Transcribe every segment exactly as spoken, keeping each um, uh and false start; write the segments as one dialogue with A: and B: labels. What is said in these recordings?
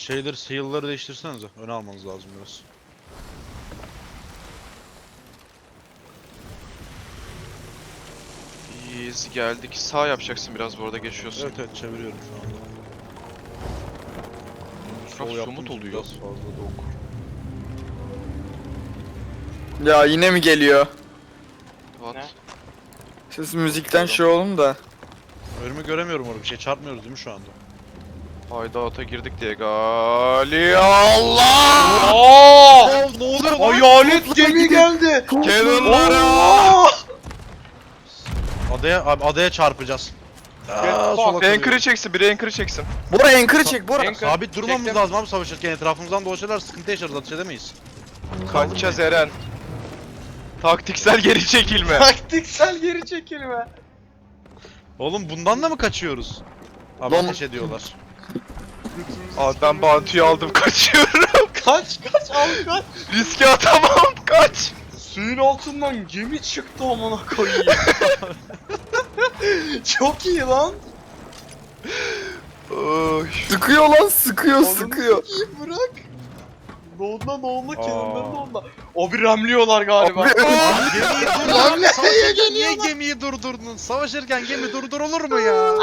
A: Şeyleri, sail'ları değiştirsenize. Öne almanız lazım biraz.
B: İyiyiz, geldik. Sağ yapacaksın biraz, bu arada geçiyorsun.
A: Evet evet, çeviriyorum şu anda.
B: Çok
A: Sol yaptım
B: somut
A: ki
B: oluyor.
A: biraz fazla dok.
C: Ya yine mi geliyor?
B: What?
D: Ne?
C: Siz müzikten şey olun da.
A: Önümü göremiyorum orada, bir şey çarpmıyoruz değil mi şu anda?
B: Hideout'a girdik diye gali Allah!
D: Aa!
A: ne oluyor
D: Hayalet gemi geldi.
B: Cannon'lara!
A: Adaya, abi adaya çarpacağız. Aa, sola
B: Anchor'ı
A: kırıyor.
B: çeksin, biri anchor'ı çeksin.
C: Bora anchor'ı çek Bora.
D: Anchor.
A: Sabit durmamız
D: Çektim.
A: lazım abi savaşırken, etrafımızdan dolaşırlar, sıkıntı yaşarız, ateş edemeyiz.
B: Kaçacağız Eren. Taktiksel geri çekilme.
D: Taktiksel geri çekilme.
A: Oğlum bundan da mı kaçıyoruz? Abi
C: Lan-
A: ateş ediyorlar.
B: Abi ben Bantu'yu aldım, kaçıyorum.
D: Kaç kaç al kaç.
B: Riske atamam, kaç.
D: Suyun altından gemi çıktı amına koyayım. Çok iyi lan.
B: Oy.
C: Sıkıyor lan sıkıyor sıkıyor.
D: İyi bırak. Doğunda doğunda
A: Aa.
D: kenarında doğunda. O bir ramliyorlar galiba.
C: Abi-
A: Abi gemiyi dur
D: Lan
A: abi,
D: nereye
A: savaşırken niye
D: geliyorlar?
A: gemiyi durdurdun? Savaşırken gemi durdurulur mu ya?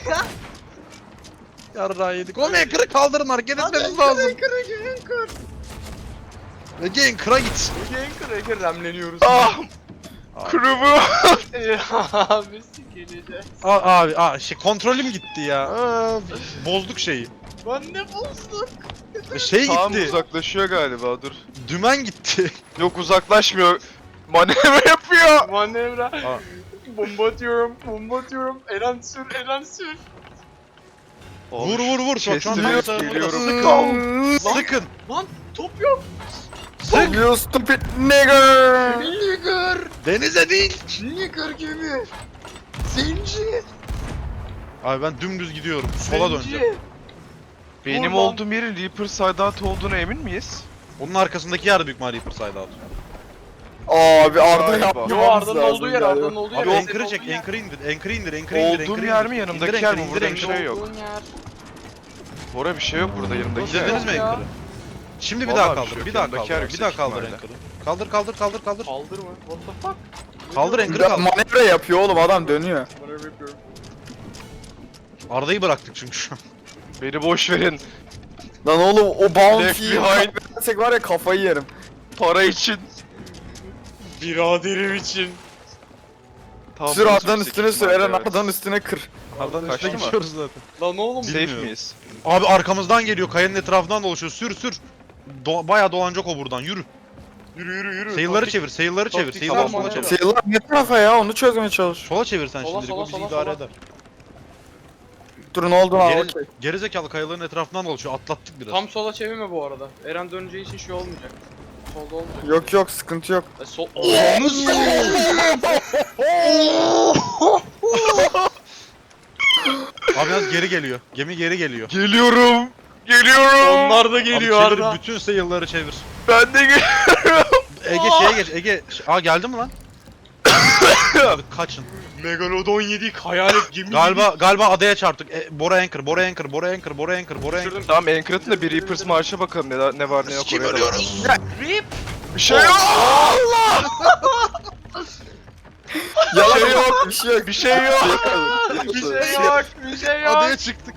A: Yarrağı yedik. Oğlum anchor'ı kaldırın, hareket etmemiz lazım.
D: Anchor anchor.
A: Ege anchor'a git.
D: Anchor anchor ramleniyoruz.
B: Ah! Krubu!
D: Abi sikileceğiz.
A: Aa, abi aa, şey kontrolüm gitti ya. Aa, bozduk şeyi.
D: Ben ne bozduk?
A: Şey
B: Tam
A: gitti.
B: uzaklaşıyor galiba, dur.
A: Dümen gitti.
B: Yok, uzaklaşmıyor. Manevra yapıyor.
D: Manevra.
A: Aa.
D: Bomba atıyorum, bomba atıyorum. Eren sür, Eren sür.
A: Vur vur vur. Şu an
B: Kestiriyor,
A: tam
B: geliyorum.
A: Sıkın.
D: Lan.
A: Sıkın.
D: Lan top yok.
A: Sık.
C: You stupid nigger.
D: Nigger.
A: Denize değil.
D: Nigger gibi. Zenci.
A: Abi ben dümdüz gidiyorum. Sola
D: Zenci.
A: döneceğim.
B: Benim
D: Vur lan.
B: olduğum yerin Reaper Sideout olduğuna emin miyiz?
A: Onun arkasındaki yer büyük ihtimalle Reaper Side Out.
C: Abi Arda
B: Galiba.
C: yapmamız
D: Yo Arda'nın
C: lazım
D: olduğu yer,
C: galiba.
D: Arda'nın olduğu yer.
A: Abi
D: Senin
A: anchor'ı çek,
D: olduğun yer.
A: anchor'ı indir, anchor'ı indir, anchor'ı indir,
B: Olduğum
A: anchor'ı
B: yer mi,
A: indir.
B: yanımdaki
A: İndir
B: yer
A: anchor'ı,
B: mi?
A: indir
B: Burada bir
A: anchor'ı.
B: şey yok.
D: Olduğun yer.
B: Bora bir şey yok burada, yanımdaki yer.
A: İndirdiniz mi
D: Ya.
A: anchor'ı? Şimdi bir
B: Vallahi
A: daha
B: bir şey
A: kaldır,
B: yok.
A: bir daha
B: Yanındaki
A: kaldır,
B: yer
A: bir daha
B: yüksek
A: kaldır
B: ihtimalle.
A: anchor'ı. Kaldır, kaldır, kaldır, kaldır.
D: Kaldır mı? What the fuck?
A: Kaldır
D: Ne
A: anchor'ı,
C: Ya,
A: kaldır.
C: manevra yapıyor oğlum adam dönüyor.
D: Manevra yapıyorum.
A: Arda'yı bıraktık çünkü şu an.
B: Beni boş verin.
C: Lan oğlum o
B: Left
C: bounty'yi
B: behind.
C: versek var ya kafayı yerim.
B: Para için.
D: Biraderim için.
B: Tam
C: Sür
B: bozuk
C: Arda'nın üstüne sür Eren
B: evet.
C: Arda'nın üstüne kır.
A: Arda'nın
B: Kaçtı
A: üstüne
B: mı?
A: gidiyoruz zaten.
D: Lan oğlum.
B: Safe
A: Bilmiyorum.
B: miyiz?
A: Abi arkamızdan geliyor, kayanın etrafından dolaşıyor. Sür sür. Do bayağı dolanacak o buradan, yürü.
D: Yürü yürü yürü.
A: Sail'ları
D: Taktik-
A: çevir, sail'ları çevir,
D: taktik
A: sail'ları
D: tamam,
A: sola çevir.
D: manevra.
C: Sayılar ne tarafa ya onu çözmeye çalış.
A: Sola çevir sen
D: Sola,
A: şimdilik,
D: sola,
A: o bizi
D: sola,
A: idare
D: sola.
A: eder.
C: Dur ne oldu lan
A: Geri,
C: okey.
A: gerizekalı kayaların etrafından dolaşıyor, atlattık biraz.
D: Tam sola çevirme bu arada. Eren döneceği için şey olmayacak. Solda olmayacak.
C: Yok yok sıkıntı yok.
D: E, sol...
A: Abi biraz geri geliyor, gemi geri geliyor.
B: Geliyorum. Geliyorum.
D: Onlar da
A: Abi
D: geliyor
A: çevir,
D: Arda.
A: bütün sail'ları çevir.
B: Ben de geliyorum.
A: Ege şeye geç, Ege. Aa geldi mi lan? Abi kaçın.
D: Megalodon yedik hayalet gemi
A: Galiba galiba adaya çarptık. E, Bora Anchor, Bora Anchor, Bora Anchor, Bora Anchor, Bora Anchor.
B: Tamam, anchor atın da bir Reapers marşa bakalım ne, ne var ne yok
A: Kim
B: oraya da bak.
A: ölüyoruz?
D: Rip.
B: Bir şey yok.
C: Yalan yok bir şey yok.
B: Bir şey yok.
D: Bir şey yok, bir şey yok.
A: Adaya çıktık.